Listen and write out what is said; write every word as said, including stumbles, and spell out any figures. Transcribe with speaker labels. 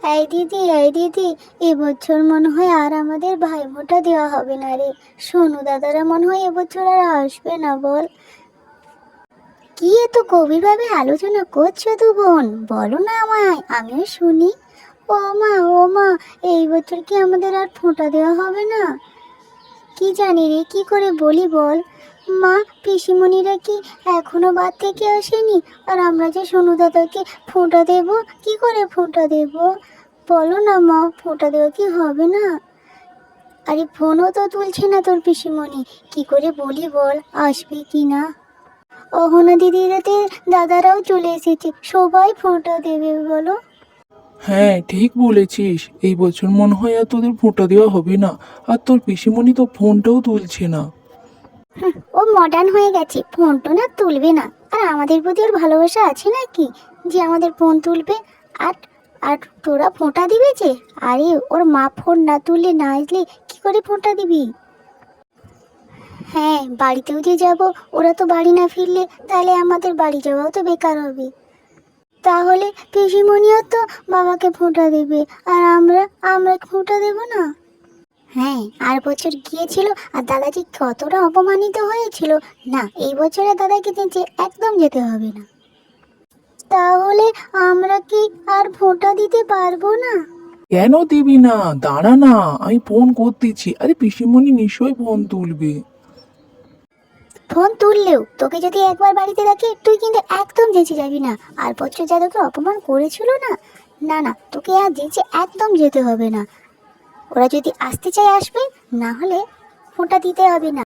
Speaker 1: এই দিদি, এই দিদি, এবছর মনে হয় আর আমাদের ভাইফোঁটা দেওয়া হবে না রে। সোনু দাদারা মনে হয় এবছর আর আসবে না বল। কি এত গভীরভাবে আলোচনা করছো তু বোন, বলো না আমায়, আমিও শুনি। ও মা, ও মা, এই বছর কি আমাদের আর ফোঁটা দেওয়া হবে না? কি জানি রে, কি করে বলি বল। মা, পিসিমণিরা কি এখনো বাদ থেকে আসেনি? আর আমরা যে সোনু দাদাকে ফোঁটা দেব, কি করে ফোঁটা দেব? বলো না মা, ফোঁটা দেওয়া কি হবে না? আরে ফোনও তো তুলছে না তোর পিসিমণি, কি করে বলি বল, আসবে কি না? অহনা দিদিরাতে দাদারাও চলে এসেছে, সবাই ফোঁটা দেবে বলো।
Speaker 2: হ্যাঁ, ঠিক বলেছিস। এই বছর মনে হয় আর তোদের ফোঁটা দেওয়া হবে না। আর তোর পিসিমণি তো ফোনটাও তুলছে না।
Speaker 1: হুঁ, ও মডার্ন হয়ে গেছে, ফোন টোন আর তুলবে না। আর আমাদের প্রতি ওর ভালোবাসা আছে নাকি যে আমাদের ফোন তুলবে? আর আর তোরা ফোঁটা দিবি যে? আরে ওর মা ফোন না তুললে না আসলে কি করে ফোঁটা দিবি? হ্যাঁ, বাড়িতেও যে যাব, ওরা তো বাড়ি না ফিরলে তাহলে আমাদের বাড়ি যাওয়াও তো বেকার হবে। তাহলে পিসিমণিও তো বাবাকে ফোঁটা দেবে, আর আমরা আমরা ফোঁটা দেব না? হ্যাঁ, আর বছর গিয়েছিল আর দাদাজি কতটা অপমানিত হয়েছিল। না, এই বছরে দাদাকে যে একদম যেতে হবে না। তাহলে আমরা কি আর ফোঁটা দিতে পারবো না?
Speaker 2: কেন দিবি না? দাঁড়া না, আমি ফোন করতেছি। আরে পিসিমণি নিশ্চয়ই ফোন তুলবে।
Speaker 1: ফোন তুললেও তোকে যদি একবার বাড়িতে দেখে, তুই কিন্তু একদম যেচে যাবি না। আর বছর যা তোকে অপমান করেছিল না, না না, তোকে আর যেচে একদম যেতে হবে না। ওরা যদি আসতে চায় আসবে, না হলে ফোঁটা দিতে হবে না।